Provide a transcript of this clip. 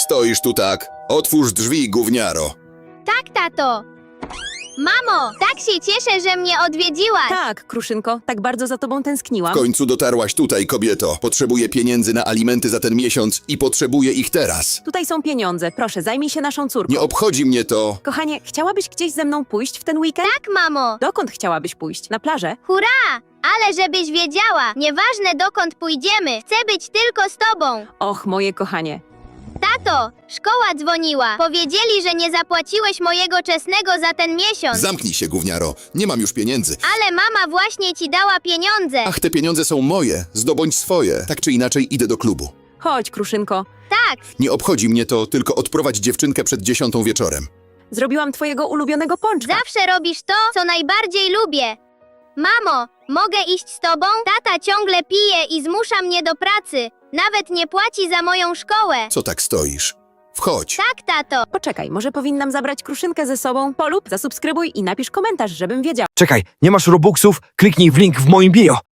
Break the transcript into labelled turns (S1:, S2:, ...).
S1: stoisz tu tak? Otwórz drzwi, gówniaro.
S2: Tak, tato. Mamo, tak się cieszę, że mnie odwiedziłaś.
S3: Tak, Kruszynko, tak bardzo za tobą tęskniłam.
S1: W końcu dotarłaś tutaj, kobieto. Potrzebuję pieniędzy na alimenty za ten miesiąc i potrzebuję ich teraz.
S3: Tutaj są pieniądze, proszę, zajmij się naszą córką.
S1: Nie obchodzi mnie to.
S3: Kochanie, chciałabyś gdzieś ze mną pójść w ten weekend?
S2: Tak, mamo.
S3: Dokąd chciałabyś pójść? Na plażę?
S2: Hurra! Ale żebyś wiedziała, nieważne dokąd pójdziemy, chcę być tylko z tobą.
S3: Och, moje kochanie.
S2: Tato, szkoła dzwoniła. Powiedzieli, że nie zapłaciłeś mojego czesnego za ten miesiąc.
S1: Zamknij się, gówniaro. Nie mam już pieniędzy.
S2: Ale mama właśnie ci dała pieniądze.
S1: Ach, te pieniądze są moje. Zdobądź swoje. Tak czy inaczej idę do klubu.
S3: Chodź, Kruszynko.
S2: Tak,
S1: Nie obchodzi mnie to, tylko odprowadź dziewczynkę przed 10 wieczorem.
S3: Zrobiłam twojego ulubionego pączka.
S2: zawsze robisz to, co najbardziej lubię. Mamo, mogę iść z tobą? Tata ciągle pije i zmusza mnie do pracy. Nawet nie płaci za moją szkołę.
S1: Co tak stoisz? Wchodź.
S2: Tak, tato.
S3: Poczekaj, może powinnam zabrać Kruszynkę ze sobą? Polub, zasubskrybuj i napisz komentarz, żebym wiedział.
S4: Czekaj, nie masz Robuxów? Kliknij w link w moim bio.